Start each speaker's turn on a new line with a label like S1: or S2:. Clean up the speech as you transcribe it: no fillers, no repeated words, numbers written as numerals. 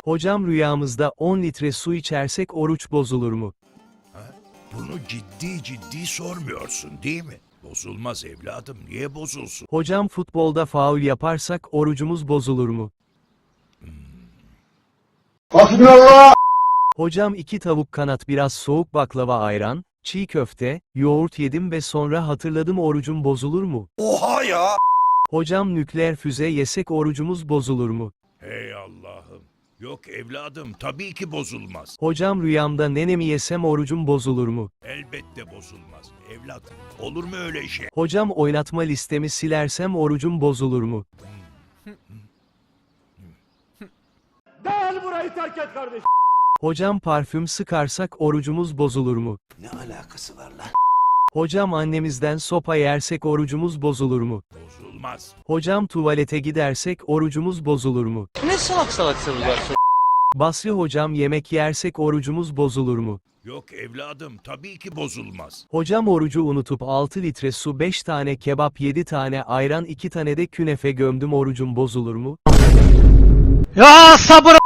S1: Hocam rüyamızda 10 litre su içersek oruç bozulur mu?
S2: Ha? Bunu ciddi ciddi sormuyorsun değil mi? Bozulmaz evladım, niye bozulsun?
S1: Hocam futbolda faul yaparsak orucumuz bozulur mu?
S3: Hasbinallah!
S1: Hocam 2 tavuk kanat biraz soğuk baklava ayran, çiğ köfte, yoğurt yedim ve sonra hatırladım orucum bozulur mu?
S2: Oha ya!
S1: Hocam nükleer füze yesek orucumuz bozulur mu?
S2: Hey Allah'ım. Yok evladım, tabii ki bozulmaz.
S1: Hocam rüyamda nenemi yesem orucum bozulur mu?
S2: Elbette bozulmaz. Evladım, olur mu öyle şey?
S1: Hocam oynatma listemi silersem orucum bozulur mu?
S3: Gel burayı terk et kardeşim.
S1: Hocam parfüm sıkarsak orucumuz bozulur mu?
S2: Ne alakası var lan?
S1: Hocam annemizden sopa yersek orucumuz bozulur mu?
S2: Bozulmaz.
S1: Hocam tuvalete gidersek orucumuz bozulur mu?
S4: Ne salak salak sorular soruyorsun?
S1: Basri hocam yemek yersek orucumuz bozulur mu?
S2: Yok evladım, tabii ki bozulmaz.
S1: Hocam orucu unutup 6 litre su 5 tane kebap 7 tane ayran 2 tane de künefe gömdüm orucum bozulur mu?
S4: Ya sabır